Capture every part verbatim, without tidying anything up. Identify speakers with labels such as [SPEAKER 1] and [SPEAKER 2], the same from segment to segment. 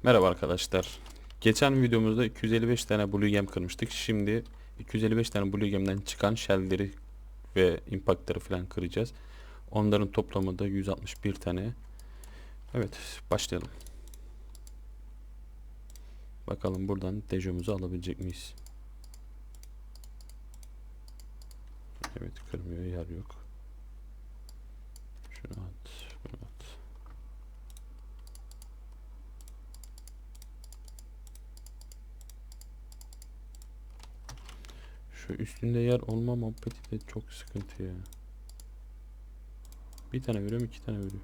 [SPEAKER 1] Merhaba arkadaşlar. Geçen videomuzda iki yüz elli beş tane Blue Gem kırmıştık. Şimdi iki yüz elli beş tane Blue Gem'den çıkan shell'leri ve impact'ları falan kıracağız. Onların toplamı da yüz altmış bir tane. Evet, başlayalım. Bakalım buradan dejomuzu alabilecek miyiz? Evet, kırmıyor, yer yok. Şunu at, bunu at. Şu üstünde yer olma muhabbeti de çok sıkıntı ya. Bir tane veriyorum, iki tane veriyor.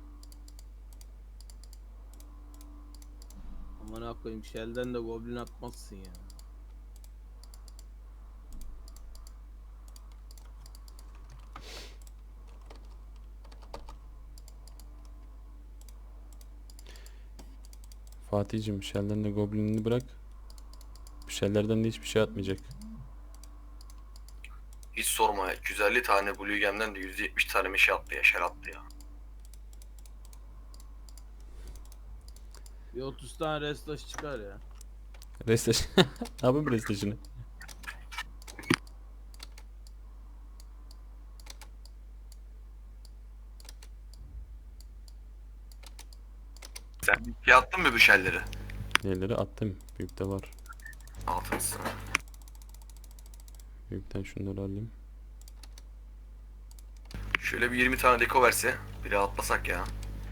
[SPEAKER 2] Aman koyayım, Shell'den de goblin atmazsın ya.
[SPEAKER 1] Fatih'cim, shell'den de goblinini bırak. Shell'lerden de hiçbir şey atmayacak.
[SPEAKER 3] Hiç sorma ya. iki yüz elli tane Blue Gem'den de yüz yetmiş tane meşe attı ya. Şer attı ya.
[SPEAKER 2] Bir otuz tane restaş çıkar ya.
[SPEAKER 1] Restleş. Ne yapayım restleşini?
[SPEAKER 3] Sen bir şey attın mı bu şelleri?
[SPEAKER 1] Neleri attım. Büyükte var.
[SPEAKER 3] Altınsın.
[SPEAKER 1] Büyükten şunları alayım.
[SPEAKER 3] Şöyle bir yirmi tane deko verse. Biri atlasak ya.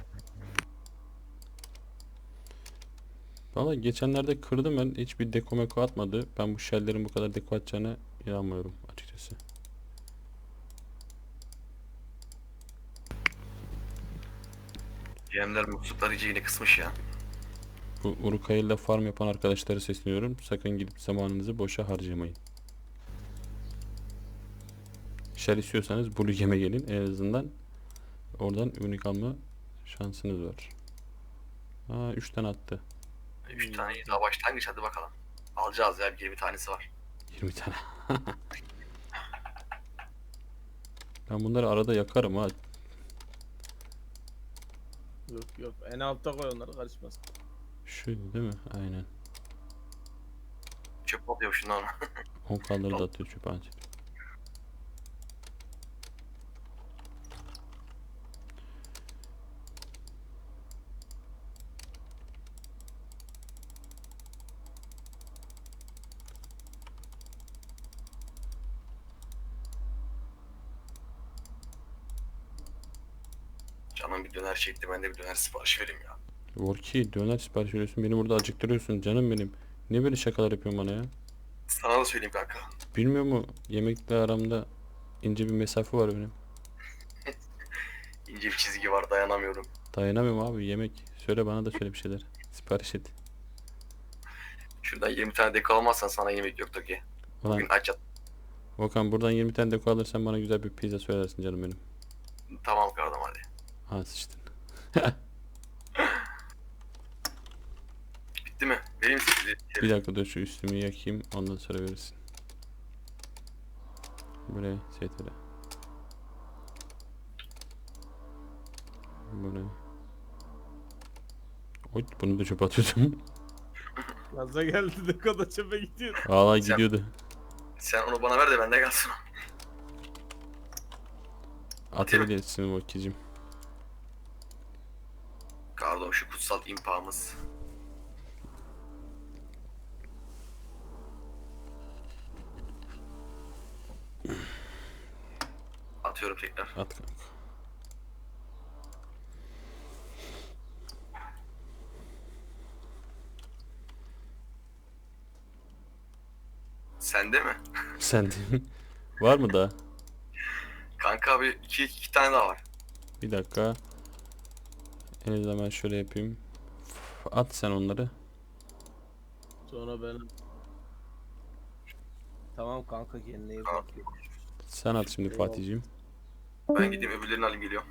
[SPEAKER 1] Valla geçenlerde kırdım ben. Hiçbir deko meko atmadı. Ben bu shell'lerin bu kadar deko atacağına inanmıyorum açıkçası.
[SPEAKER 3] Gemler muslukları iyice yine kısmış ya.
[SPEAKER 1] Bu Urukay'la farm yapan arkadaşlara sesleniyorum. Sakın gidip zamanınızı boşa harcamayın. Shell istiyorsanız Blue Gem'e gelin. En azından oradan unik alma şansınız var. Aa, üç tane attı.
[SPEAKER 3] üç tane daha başlangıç, hadi bakalım. Alacağız ya, bir yirmi tanesi var.
[SPEAKER 1] yirmi tane. Ben bunları arada yakarım ha.
[SPEAKER 2] Yok yok, en altta koy onları, karışmasın.
[SPEAKER 1] Şöyle değil mi? Aynen.
[SPEAKER 3] Çöp atıyor şundan.
[SPEAKER 1] on kaldırı da atıyor çöpe anca.
[SPEAKER 3] Canım bir döner çekti, ben de bir döner sipariş vereyim ya.
[SPEAKER 1] Volki döner sipariş veriyorsun. Beni burada acıktırıyorsun canım benim. Ne böyle şakalar yapıyorsun bana ya?
[SPEAKER 3] Sana da söyleyeyim kanka.
[SPEAKER 1] Bilmiyor mu? Yemekle aramda ince bir mesafe var benim.
[SPEAKER 3] İnce bir çizgi var, dayanamıyorum.
[SPEAKER 1] Dayanamıyorum abi yemek. Söyle bana da söyle bir şeyler. Sipariş et.
[SPEAKER 3] Şuradan yirmi tane deko almazsan sana yemek yoktur ki.
[SPEAKER 1] Ulan
[SPEAKER 3] Bugün aç yat.
[SPEAKER 1] Volkan buradan yirmi tane deko alırsan bana güzel bir pizza söylersin canım benim.
[SPEAKER 3] Tamam kardeşim, hadi.
[SPEAKER 1] Ha sıçtın.
[SPEAKER 3] Bitti mi? Vereyim size.
[SPEAKER 1] Bir dakika dur şu üstümü yakayım ondan sonra verirsin. Buraya setere. Buraya. Oy bunu da çöpe atıyordum.
[SPEAKER 2] Gaza geldi de kadar çöpe gidiyor.
[SPEAKER 1] Valla
[SPEAKER 3] Sen-
[SPEAKER 1] gidiyordu.
[SPEAKER 3] Sen onu bana ver de bende kalsın.
[SPEAKER 1] Atabilirsin Volki'cim.
[SPEAKER 3] Pardon, şu kutsal impağımız. Atıyorum tekrar.
[SPEAKER 1] At kanka.
[SPEAKER 3] Sende mi?
[SPEAKER 1] Sen de var mı daha?
[SPEAKER 3] Kanka abi, iki, iki tane daha var.
[SPEAKER 1] Bir dakika. En azından ben şöyle yapayım. At sen onları.
[SPEAKER 2] Sonra ben... Tamam kanka, kendine iyi
[SPEAKER 3] Tamam.
[SPEAKER 2] bak.
[SPEAKER 1] Sen at şimdi
[SPEAKER 2] Eyvallah.
[SPEAKER 1] Fatih'ciğim.
[SPEAKER 3] Ben gideyim öbürlerini alayım, geliyorum.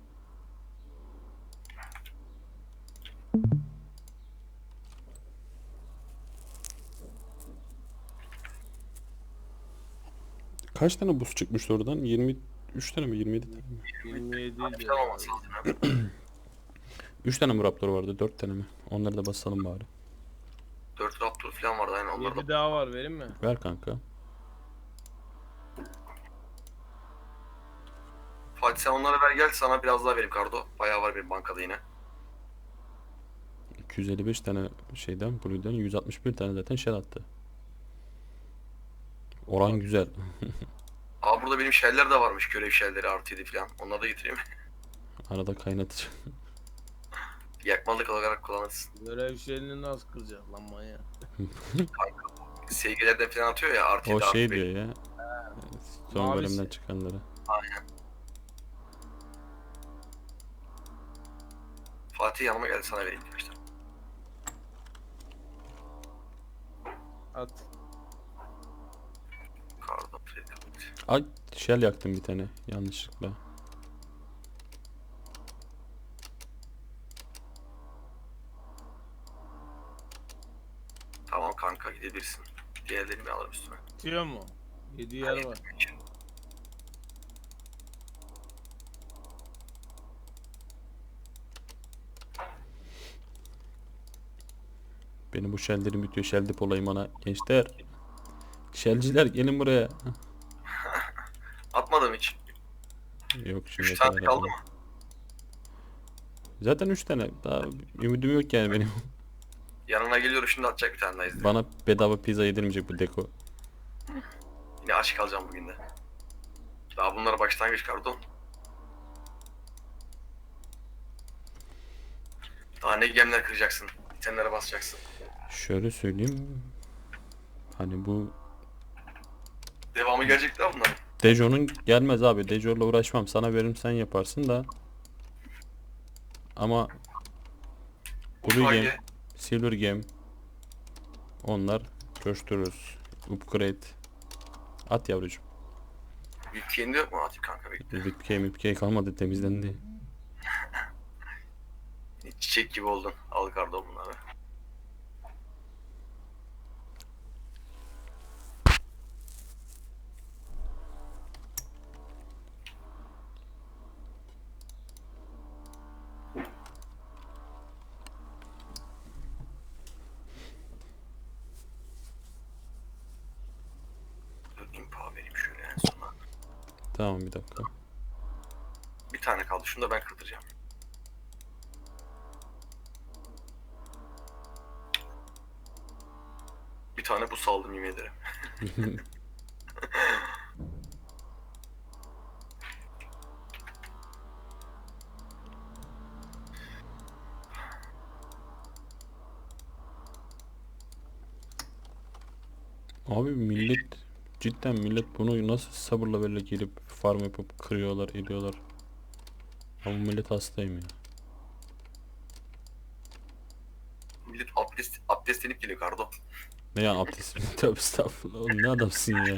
[SPEAKER 1] Kaç tane buz çıkmıştı oradan? yirmi üç tane mi? yirmi yedi tane mi?
[SPEAKER 2] yirmi yedi
[SPEAKER 3] Bir
[SPEAKER 2] diyor.
[SPEAKER 3] tane olması lazım ya.
[SPEAKER 1] üç tane mi Raptor vardı? dört tane mi? Onları da basalım bari.
[SPEAKER 3] dört Raptor falan vardı aynen onlar da.
[SPEAKER 2] yedi daha var vereyim mi?
[SPEAKER 1] Ver kanka.
[SPEAKER 3] Fatih sen onları ver gel sana biraz daha vereyim Kardo. Bayağı var benim bankada yine.
[SPEAKER 1] iki yüz elli beş tane şeyden Blue'den yüz altmış bir tane zaten shell attı. Oran güzel.
[SPEAKER 3] Aa burada benim şeyler de varmış görev şeyleri artı yedi falan. Onları da getireyim.
[SPEAKER 1] Arada kaynatıcı.
[SPEAKER 3] Yakmalık olarak kullanırsın.
[SPEAKER 2] Görev şeyini nasıl kıracak lan manyak?
[SPEAKER 3] Sevgilerden falan atıyor ya artı
[SPEAKER 1] O
[SPEAKER 3] yedi
[SPEAKER 1] şey
[SPEAKER 3] artı
[SPEAKER 1] diyor
[SPEAKER 3] beş.
[SPEAKER 1] ya. Son
[SPEAKER 2] Mavisi.
[SPEAKER 1] bölümden çıkanları.
[SPEAKER 3] Aynen. Fatih yanıma geldi sana vereyim demişler.
[SPEAKER 2] At.
[SPEAKER 3] Kardo.
[SPEAKER 1] Ay shell yaktım bir tane yanlışlıkla.
[SPEAKER 3] Tamam kanka gidebilirsin. Diğerlerini bir alırım üstüme.
[SPEAKER 2] Tutuyor mu? yedi yer var.
[SPEAKER 1] Benim bu shelllerim bitiyor. Shell dip olayım bana. Gençler. Shellciler gelin buraya.
[SPEAKER 3] Atmadım hiç.
[SPEAKER 1] Yok şimdi
[SPEAKER 3] üç saat kaldı mı?
[SPEAKER 1] Zaten üç tane. Daha ümidim yok yani benim.
[SPEAKER 3] Yanına geliyorum şimdi atacak bir tane daha izle.
[SPEAKER 1] Bana bedava pizza yedirmeyecek bu deko.
[SPEAKER 3] Yine aç kalacağım bugün de. Daha bunlara başlangıç Kardo. Daha ne gemler kıracaksın. Bitenlere basacaksın.
[SPEAKER 1] Şöyle söyleyeyim. Hani bu
[SPEAKER 3] Devamı gelecek daha bunların.
[SPEAKER 1] Dejo'nun gelmez abi. Dejo'yla uğraşmam. Sana veririm sen yaparsın da. Ama Blue
[SPEAKER 3] Hangi?
[SPEAKER 1] Gem, Silver Gem onlar coştururuz. Upgrade. At yavrucuğum.
[SPEAKER 3] Ülkeğinde yok mu? Atayım kanka bekle.
[SPEAKER 1] V I P K, M I P K kalmadı temizlendi.
[SPEAKER 3] Çiçek gibi oldun. Al Kardo bunları. Dur impa vereyim şöyle en sona.
[SPEAKER 1] Tamam bir dakika.
[SPEAKER 3] Bir tane kaldı. Şunu da ben kırdıracağım. Bir tane bu saldım yemin ederim.
[SPEAKER 1] Abi millet cidden millet bunu nasıl sabırla böyle gelip farm yapıp kırıyorlar ediyorlar. Ama millet hastayım ya.
[SPEAKER 3] Millet abdest, abdestlenip geliyor Kardo.
[SPEAKER 1] Ne yani abdest? Tövbe estağfurullah. Oğlum ne adamsın ya.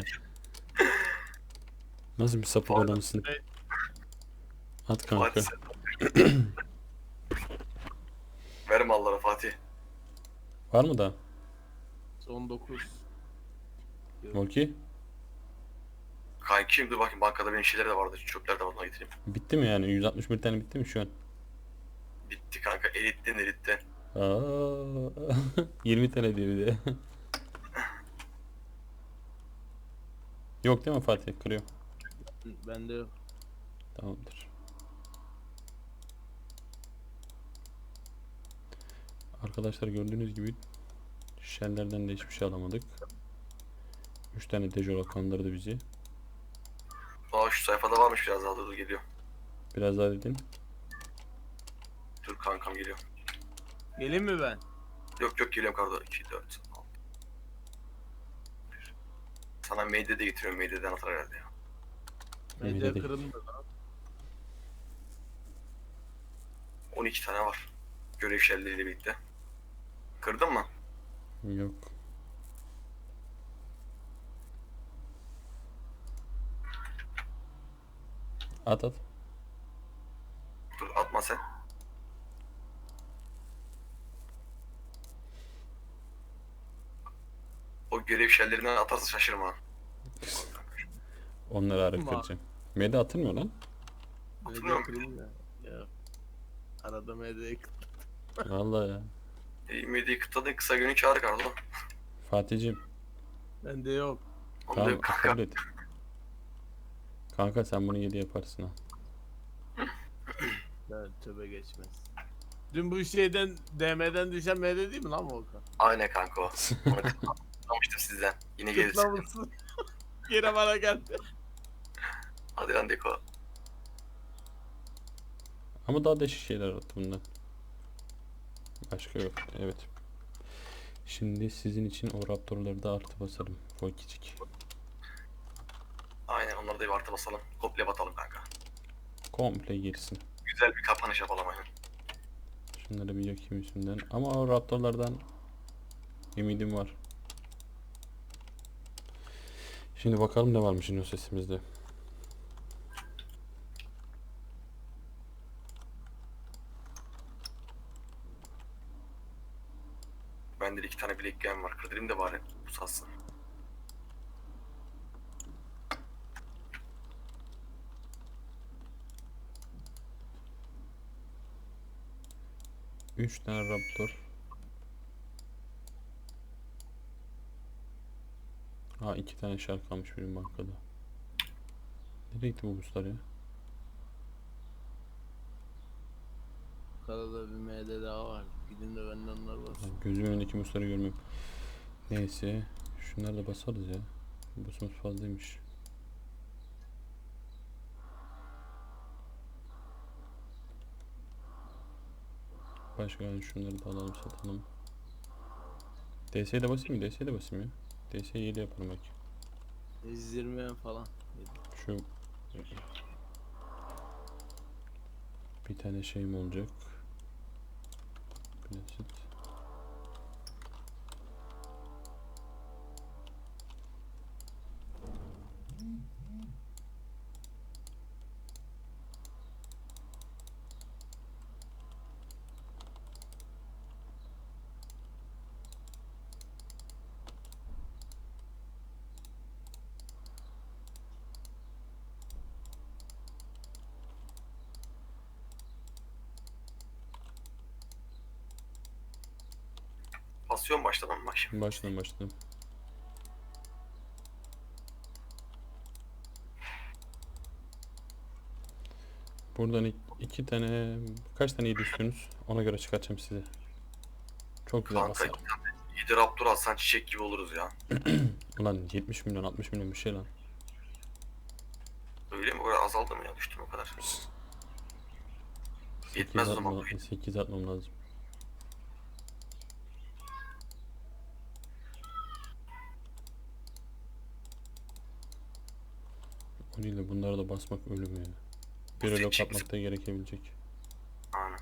[SPEAKER 1] Nasıl bir sapık
[SPEAKER 3] Pardon.
[SPEAKER 1] adamsın? At kanka.
[SPEAKER 3] Fatih sen. Ver mallara Fatih.
[SPEAKER 1] Var mı da?
[SPEAKER 2] Son dokuz.
[SPEAKER 1] Volki?
[SPEAKER 3] Kanki dur bakayım bankada benim şeyler de vardı. Çöpler de var ona getireyim.
[SPEAKER 1] Bitti mi yani? yüz altmış bir tane bitti mi şu an?
[SPEAKER 3] Bitti kanka eritten eritten.
[SPEAKER 1] Aa, yirmi tane diyor bir de. Yok değil mi Fatih? Kırıyor.
[SPEAKER 2] Bende yok.
[SPEAKER 1] Tamamdır. Arkadaşlar gördüğünüz gibi shelllerden de hiçbir şey alamadık. üç tane Dejora kandırdı bizi.
[SPEAKER 3] Aa şu sayfada varmış biraz daha dur dur, geliyor.
[SPEAKER 1] Biraz daha dedin.
[SPEAKER 3] Dur kankam geliyor.
[SPEAKER 2] Geleyim mi ben?
[SPEAKER 3] Yok yok geliyorum Kardo. iki, dört, altı. Sana Meyde de getiriyorum. Meyde'den atar herhalde ya.
[SPEAKER 1] Emin
[SPEAKER 2] Medya
[SPEAKER 1] değil.
[SPEAKER 2] kırıldı lan.
[SPEAKER 3] on iki tane var. Görev şelleriyle birlikte. Kırdın mı?
[SPEAKER 1] Yok. At at.
[SPEAKER 3] Dur atma sen. O görev şellerinden atarsa şaşırma.
[SPEAKER 1] Onları arı
[SPEAKER 2] Ama-
[SPEAKER 1] kıracağım. Mede atılmıyor lan.
[SPEAKER 2] Medya
[SPEAKER 3] Hatırlıyorum.
[SPEAKER 2] kırıldı ya. Ya. Arada medya kırıldı.
[SPEAKER 1] Vallahi ya.
[SPEAKER 3] Ümidi kıtladın kısa günü çağır Kardo.
[SPEAKER 1] Fatih'ciğim
[SPEAKER 2] Bende yok.
[SPEAKER 3] Onu da
[SPEAKER 1] tamam
[SPEAKER 3] yok kanka.
[SPEAKER 1] kabul et. Kanka sen bunu yedi yaparsın ha.
[SPEAKER 2] Evet, tövbe geçmez. Dün bu şeyden D M'den düşen M D değil mi lan Volkan?
[SPEAKER 3] Aynen kanka o. Onu kıtlamıştım sizden. Yine gelirsin.
[SPEAKER 2] Kutlamışsın. Yine bana geldi.
[SPEAKER 3] Hadi lan Deko.
[SPEAKER 1] Ama daha değişik şeyler attı bundan. Başka yok. Evet. Şimdi sizin için o raptorları da artı basarım. Volkicik.
[SPEAKER 3] Aynen onları da bir artı basalım. Komple batalım kanka.
[SPEAKER 1] Komple girsin.
[SPEAKER 3] Güzel bir kapanış yapalım aynen.
[SPEAKER 1] Şunları bir yakayım üstünden. Ama o raptorlardan ümidim var. Şimdi bakalım ne varmış o sesimizde.
[SPEAKER 3] Bende de iki tane bilek gem var. Kırdırayım da bari bu satsın.
[SPEAKER 1] Üç tane raptor. Ha iki tane şark kalmış benim bankada. Nereye gitti bu buzlar ya?
[SPEAKER 2] Karada bir M D daha var. Gidin de benden onlar var.
[SPEAKER 1] Lan gözümün önündeki musları görmüyorum. Neyse. Şunları da basarız ya. Busumuz fazlaymış. Başka yani şunları da alalım satalım. D S'ye de basayım mı? D S'ye de basayım ya. D S'ye yedi yaparım belki.
[SPEAKER 2] yüz yirmi falan.
[SPEAKER 1] Şu bir tane şeyim olacak. Basit.
[SPEAKER 3] Basıyorum başladım bak şimdi.
[SPEAKER 1] Baştan başladım. Buradan ik- iki tane kaç tane yedi istiyorsunuz? Ona göre çıkartacağım size. Çok güzel
[SPEAKER 3] Kanka
[SPEAKER 1] basar.
[SPEAKER 3] yedi raptor alsan çiçek gibi oluruz ya.
[SPEAKER 1] Ulan yetmiş milyon altmış milyon bir şey lan.
[SPEAKER 3] Öyle mi? O kadar azaldı mı ya? Düştü mü o kadar? Yetmez o zaman.
[SPEAKER 1] sekiz atmam lazım. O değil de bunlara da basmak ölüm ya. Bir
[SPEAKER 3] Bu
[SPEAKER 1] relok
[SPEAKER 3] seçim-
[SPEAKER 1] atmak da gerekebilecek.
[SPEAKER 3] Aynen.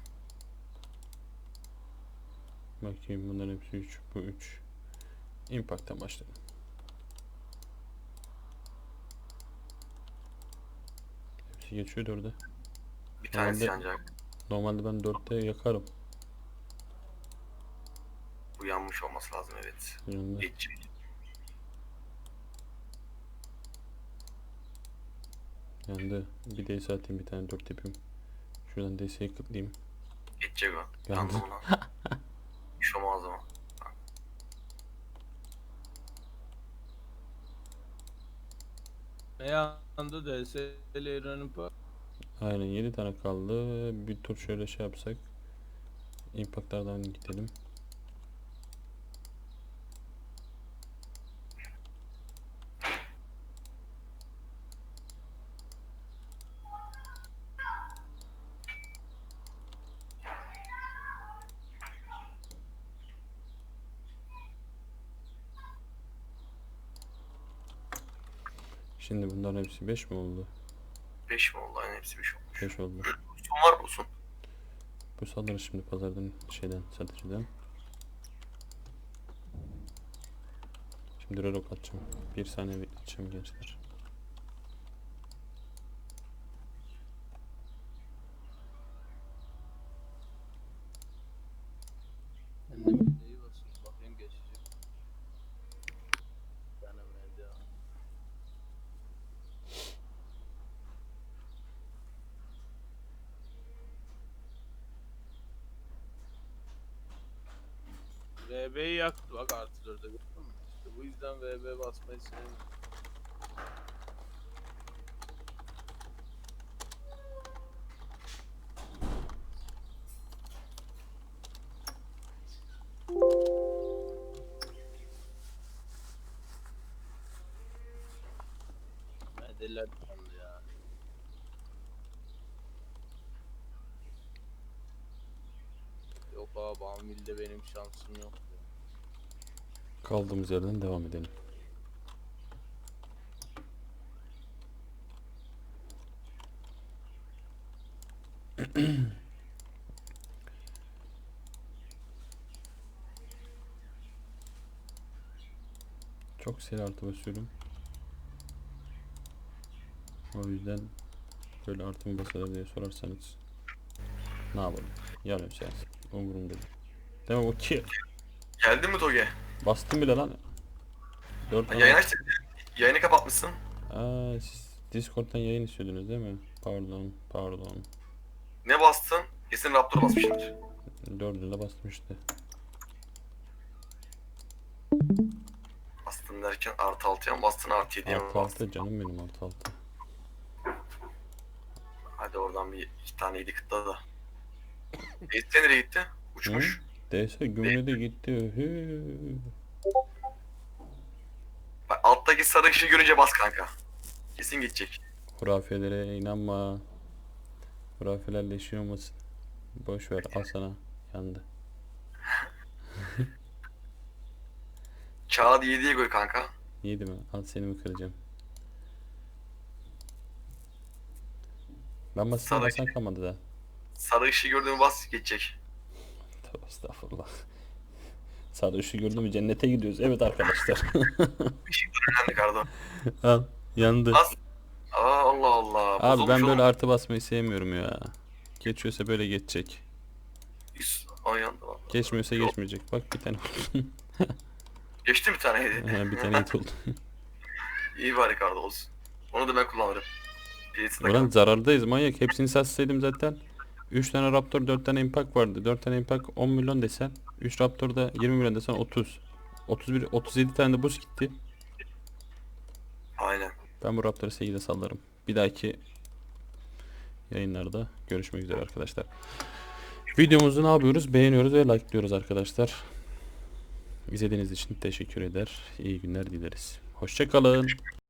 [SPEAKER 1] Bakayım bunların hepsi üç. Bu üç. Impact'tan başlayalım. Hepsi geçiyor dörde.
[SPEAKER 3] Bir tanesi
[SPEAKER 1] Normalde-
[SPEAKER 3] yanacak.
[SPEAKER 1] Normalde ben dörtte yakarım.
[SPEAKER 3] Bu yanmış olması lazım evet.
[SPEAKER 1] Yanında.
[SPEAKER 3] Geçecek.
[SPEAKER 1] Yandı. Bir D S atayım bir tane dört yapayım. Şuradan D S'yi kıtlayayım.
[SPEAKER 3] Geçecek o.
[SPEAKER 1] Yandı.
[SPEAKER 3] Yandı buna. Hiç olmaz ama.
[SPEAKER 2] Ne yandı D S ile İran'ın pa.
[SPEAKER 1] Aynen yedi tane kaldı. Bir tur şöyle şey yapsak. Impact'lardan gidelim. Şimdi bunların hepsi beş mi oldu?
[SPEAKER 3] beş mi oldu? Aynen hepsi beş olmuş.
[SPEAKER 1] beş oldu.
[SPEAKER 3] Son var mı Usun?
[SPEAKER 1] Bu salları şimdi pazardan şeyden satıcıdan. Şimdi relok atacağım. Bir saniye bekleteceğim gençler.
[SPEAKER 2] Ben de M D'yi basıyorum. Bakayım geçecek. Bir tane M D var. V B'yi yaktı bak artı dörde gördün mü? İşte bu yüzden V B basmayı sevmiyorum. Medeller kaldı ya. Yok abi Anvil'de benim şansım yok. Ya.
[SPEAKER 1] Kaldığımız yerden devam edelim. Çok seri artı basıyorum. O yüzden böyle artı mı basılır diye sorarsanız ne yapalım? Yarım saat. Umurumda değil. Değil mi o ki?
[SPEAKER 3] Geldi mi Toge?
[SPEAKER 1] Bastım bile lan. dört
[SPEAKER 3] Yayın aç. Yayını kapatmışsın.
[SPEAKER 1] Aa, siz Discord'dan yayın istiyordunuz değil mi? Pardon, pardon.
[SPEAKER 3] Ne bastın? Kesin Raptor basmışsındır.
[SPEAKER 1] Dördüne bastım işte.
[SPEAKER 3] Bastın derken artı altıya mı bastın artı yediye mi
[SPEAKER 1] Artı
[SPEAKER 3] bastın?
[SPEAKER 1] altı canım benim artı altı.
[SPEAKER 3] Hadi oradan bir iki tane yedi kıtla da. Eğitim nereye gitti? Uçmuş.
[SPEAKER 1] D S gümrüğe gitti. Hü.
[SPEAKER 3] Bak alttaki sarı ışığı görünce bas kanka. Kesin gidecek.
[SPEAKER 1] Hurafelere inanma. Hurafelerle işin olmasın. Boş ver, al sana. Yandı.
[SPEAKER 3] Kağıdı yediye koy kanka.
[SPEAKER 1] Yedi mi? Al seni mi kıracağım? Ben basın
[SPEAKER 3] Sana-
[SPEAKER 1] basan kalmadı da.
[SPEAKER 3] Sarı ışığı gördüğümü bas geçecek.
[SPEAKER 1] Tövbe estağfurullah. Sarı ışığı gördün mü cennete gidiyoruz. Evet arkadaşlar.
[SPEAKER 3] Önemli kardo.
[SPEAKER 1] Al. Yandı.
[SPEAKER 3] Bas. Aa, Allah Allah.
[SPEAKER 1] Abi
[SPEAKER 3] Bozulmuş
[SPEAKER 1] ben böyle
[SPEAKER 3] oğlum.
[SPEAKER 1] artı basmayı sevmiyorum ya. Geçiyorsa böyle geçecek.
[SPEAKER 3] Üst- Ay yandı valla.
[SPEAKER 1] Geçmiyorsa
[SPEAKER 3] Yok.
[SPEAKER 1] geçmeyecek. Bak bir tane oldu.
[SPEAKER 3] Geçti mi bir tane hediye?
[SPEAKER 1] Ha, bir tane hit oldu.
[SPEAKER 3] İyi bari kardo olsun. Onu da ben kullanırım. Birisi de
[SPEAKER 1] Ulan
[SPEAKER 3] kal.
[SPEAKER 1] zarardayız manyak. Hepsini satsaydım zaten. üç tane Raptor, dört tane Impact vardı. dört tane Impact on milyon desen. üç Raptor'da yirmi milyon desen otuz. otuz bir, otuz yedi tane de boost gitti.
[SPEAKER 3] Aynen.
[SPEAKER 1] Ben bu Raptor'u sekizde sallarım. Bir dahaki yayınlarda görüşmek üzere arkadaşlar. Videomuzu ne yapıyoruz? Beğeniyoruz ve likeliyoruz arkadaşlar. İzlediğiniz için teşekkür eder. İyi günler dileriz. Hoşça kalın.